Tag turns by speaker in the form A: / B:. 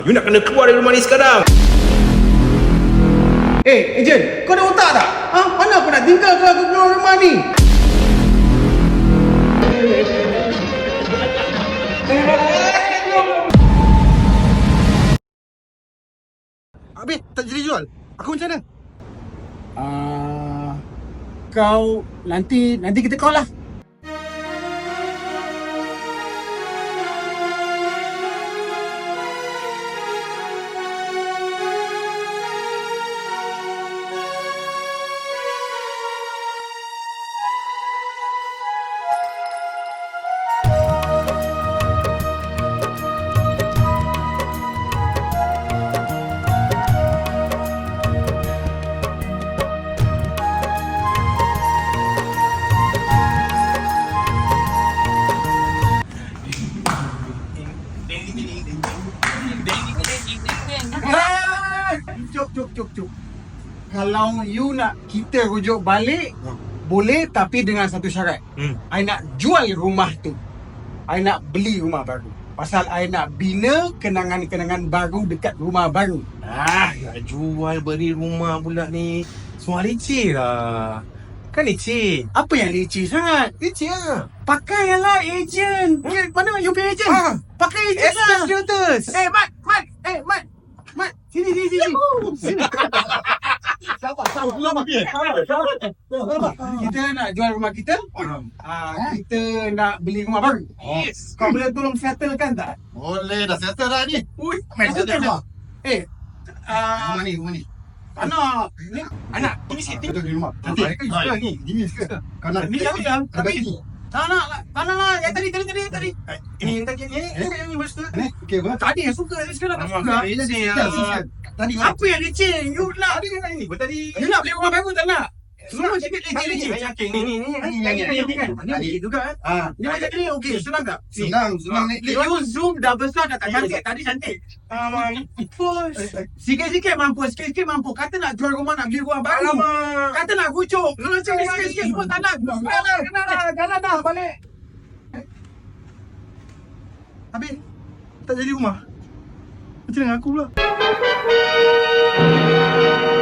A: You nak kena keluar dari rumah ni sekarang.
B: Ejen, kau ada otak tak? Mana aku nak tinggal kalau aku keluar rumah ni?
C: Habis tak jadi jual. Aku macam mana?
B: Kau nanti kita call lah. Cuk. Kalau you nak kita rujuk balik, boleh, tapi dengan satu syarat. I nak jual rumah tu. I nak beli rumah baru. Pasal I nak bina kenangan-kenangan baru dekat rumah baru.
A: Nak jual beri rumah pula ni. Semua leceh lah. Kan leceh.
B: Apa yang leceh sangat?
A: Leceh lah.
B: Pakai lah ejen. Mana you pay ejen? Pakai ejen lah.
A: Realtors.
B: Mat. Sini. Sabar. Kita nak jual rumah kita. Kita nak beli rumah baru.
A: Yes.
B: Kau boleh tolong settlekan tak?
C: Boleh dah settle dah ni.
B: Rumah ni. Anak. Ni
A: Anak, permisi.
C: Betul di rumah. Nanti.
A: Ni.
C: Gini sekarang. Kau nak
B: Ni yang
C: tapi ni.
B: Tak nak. Yang tadi. Ini yang tadi. Ini betul.
C: Okey, apa?
B: Tadi yang suka, sekarang tak suka.
C: Tadi kau
B: Apa yang leceh? You nak
A: Ni tadi.
B: You nak beli rumah baru tak nak? Semua cakap leceh. Ni juga kan? Ni macam ni okey, senang tak?
C: senang ni.
B: You zoom dah besar dah tak cantik. Tadi cantik. Sikit-sikit mampu. Kata nak jual rumah, nak beli rumah baru. Kata nak rujuk. Sikit-sikit pun tak nak. Kalah dah balik.
C: Habis tak jadi rumah. Macam mana aku pula?